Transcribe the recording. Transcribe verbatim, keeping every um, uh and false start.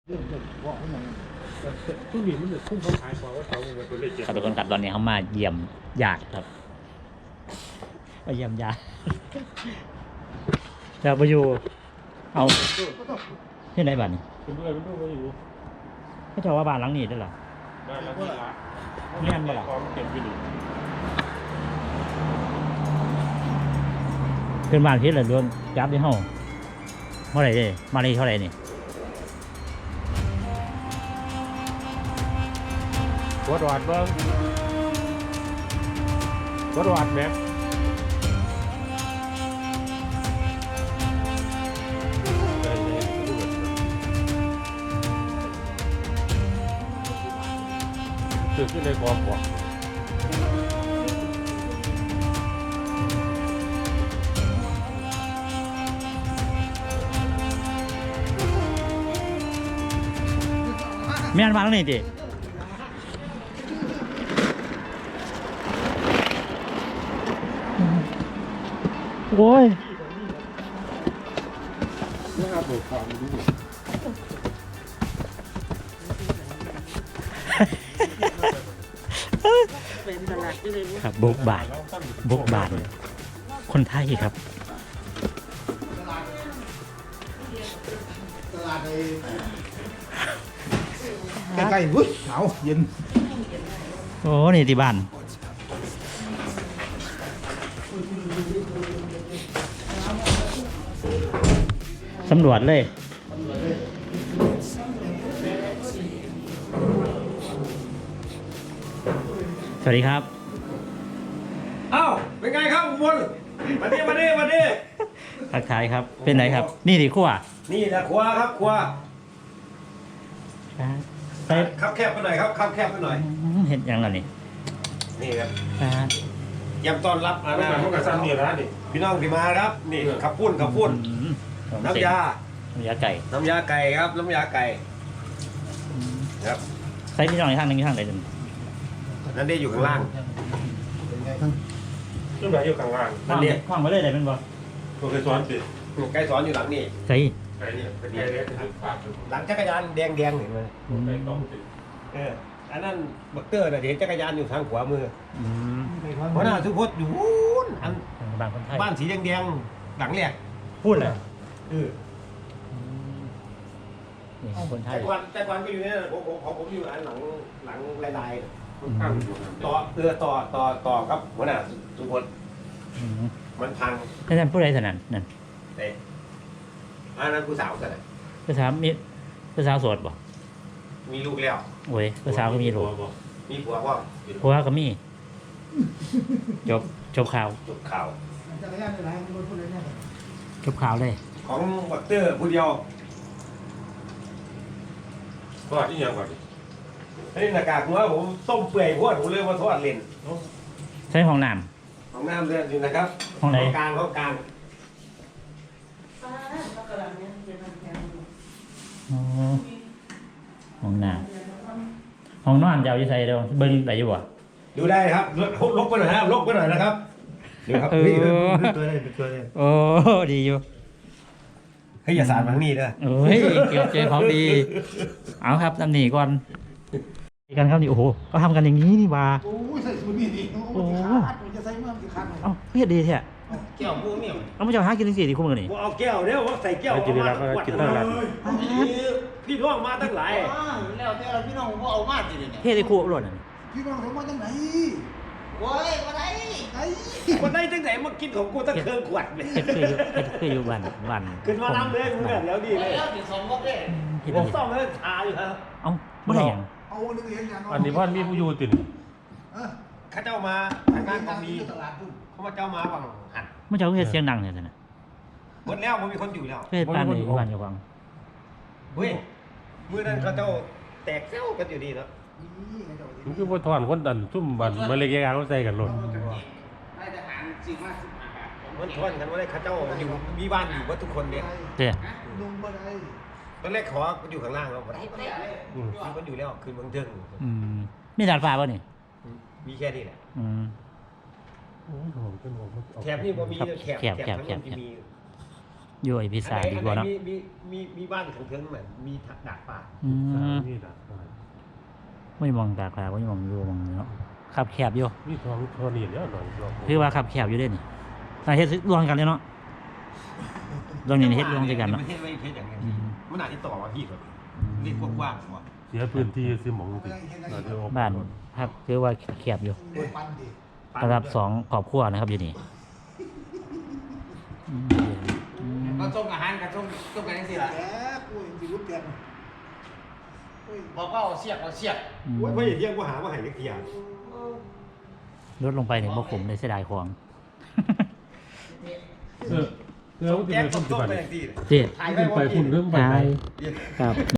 ครับทุกคนครับตอนนี้เขามาเยี่ยมญาติครับมาเยี่ยมญาติจะไปอยู่เอาที่ไหนบ้านนี่ไม่ใช่ว่าบ้านหลังนี้ได้หรอบ้านหลังนี้ละเงี้ยบ่ล่ะเป็นบ้านพิษเหรอโดนจับที่ห้องเท่าไหร่ดิมานี่เท่าไหร่นี่วัดวัดเบิ้งวัดวัดแม่ตื่นขึ้นในความกว่าแม่นมาแล้วนี่ดิโอ้ยนะครับเบิกความดูครับบุกบาทบุกบาทคนไทยครับใกล้ๆวุ้ยหนาวเย็นโอ้นี่ที่บ้านสำรวจเลยสวัสดีครับอ้าวเป็นไงครับอุบลมาดิมาดิมาดิทักทายครับเป็นไหนครับนี่ดิขั้วนี่แหละครัวครับครัวใส่ครับแคบไปหน่อยครับครับแคบไปหน่อยเห็นยังไงนี่นี่ครับยำต้อนรับอาณาพวกกระซันนี่นะนี่พี่น้องที่มาครับนี่ขับปุ้นขับปุ้นน้ำยาน้ำยาไก่น้ำยาไก่ครับน้ำยาไก่ครับใส่พี่น้องในข้างนึงข้างไหนหนึ่งนั่นได้อยู่ข้างล่างขึ้นไปอยู่ข้างล่างนั่นเนี่ยข้างไม่ได้เลยเป็นบ่โอเคสอนสิไก่สอนอยู่หลังนี่ใช่ไก่เนี่ยเป็นไก่เล็กหลังจักรยานแดงแดงเห็นไหมเอออันนั้นบักเตอร์น่ะเห็นจักรยานอยู่ทางขวามือเพราะน่าสุพจน์อยู่อันบ้านคนไทยบ้านสีแดงแดงหลังแรกพูดเลยเออคนไทยแต่ก่อนแต่ก่อนก็อยู่เนี่ยผมผมผมอยู่อันหลังหลังลายๆต่อเออต่อต่อต่อครับหัวหน้าสุพจน์มันพังนั่นผู้ใดถนัดนั่นเด็อันนั้นผู้สาวกันเลยผู้สาวมีผู้สาวโสดบ่มีลูกแล้วโอ้ยผู้สาวก็มีลูกมีผัวพ่อผัวก็มีจบจบข่าวจบข่าวจบข่าวเลยของบักเตอร์ผู้เดียวทอดที่ยังก่อนนี่หน้ากากหัวผมต้มเปื่อยหัวผมเลยมาทอดเล่นใช้ห้องน้ำห้องน้ำเรื่องอยู่นะครับห้องไหนกลางห้องกลางห้องน้ำห้องนอนยาวยี่ใส่เดียวเบิ้งได้อยู่บ่ดูได้ครับลบไปหน่อยครับลบไปหน่อยนะครับเดี๋ยวครับนี่เป็นตัวเลยเป็นตัวเลยโอ้ดีอยู่ให้อย่าสารมังนี่เด้อเอ้ยเกี่ยวเจอของดีเอาครับนำหนีก่อนกันครับนี่โอ้โหก็ทำกันอย่างนี้นี่ว่าโอ้ยใส่สูตรนี่ดิโอ้ยจะใส่เมื่อกี่ครั้งเอ้าเพี้ยดีแท้แก้วพวกนี้เอาไม่จะหากินสิ่งที่คู่มือนี่เอาแก้วเนี่ยว่าใส่แก้วกินแล้วก็กินตั้งหลายพี่น้องมาตั้งหลายแล้วแต่เราพี่น้องผมเอามาจริงเนี่ยเพี้ยที่คู่อร่อยพี่น้องผมมาตั้งไหนโว้ยมาไหนไหนมาได้ตั้งไหนมากินของกูตั้งเครื่องขวดเลยเคืออยู่เคืออยู่วันวันขึ้นมาน้ำเลยมึงแบบแล้วดีเลยแล้วถึงสองรอบเลยผมซ่อมแล้วชาอยู่ครับเอ้าไม่ได้ยังเอาเรื่องเลี้ยงอย่างอันนี้พ่อมีผู้อยู่ติดข้าเจ้ามาทางด้านของดีเขามาเจ้ามาบังหันไม่เจ้าเฮ็ดเสียงดังเลยนะหมดแล้วมันมีคนอยู่แล้วเฮ็ดปานนี้วันอยู่วังเฮ้ยเมื่อนั้นเขาเจ้าแตกเซ้ากันอยู่ดีเนาะมันคือว่าถอนคนดันซุ่มบันมาเล็กยางเขาใส่กันหล่นมันถอนกันว่าได้ข้าเจ้าอยู่มีบ้านอยู่ว่าทุกคนเนี่ยเจ้ตอนแรกขออยู่ข้างล่างเราไม่ได้ไม่ได้คือมันอยู่แล้วคืนเมืองเทิงมีดาดฟ้าป่ะนี่มีแค่นี้แหละแถบนี่พอมีแถบแถบแถบที่มีอยู่ไอพิซซ่าดีกว่าเนาะมีมีมีมีบ้านของเทิงเหมือนมีดาดฟ้าอืมนี่นะไม่มองตาคลาไม่มองอยู่มองเนาะขับแคบอยู่มีทองทอนี่แล้วหน่อยรอบคือว่าขับแคบอยู่เด้นี่แต่เฮ็ดรวมกันเลยเนาะรวมนี่เฮ็ดรวมด้วยกันเนาะไม่ใช่ไม่ใช่อย่างเงี้ยมันอาจจะต่อมาพี่แบบเรียกกว้างๆกว่าเสียพื้นที่ซื้อหมองสิเราจะออกบ้านพักคือว่าแคบอยู่โดยปันดิสำหรับสองครอบครัวนะครับอยู่นี่อืมอืมก็ส่งอาหารกับส่งส่งกันยังสิล่ะแกปุ้ยมีรูปเปลี่ยนปุ้ยบอกว่าเอาเสียกเอาเสียกอืมว่าว่าอย่างเงี้ยว่าหาว่าหายเล็กทีอย่างลดลงไปถึงบ่ขมเลยเสียดายของเออเออส่งจะแก๊ไปสพุ่ส่นงที่ต้มบ้านไปอย่างที่เจ๊ถ่ายขึ้ไว้นไปว่าพุ่นพี่เรื่องไปตายเรียนครับ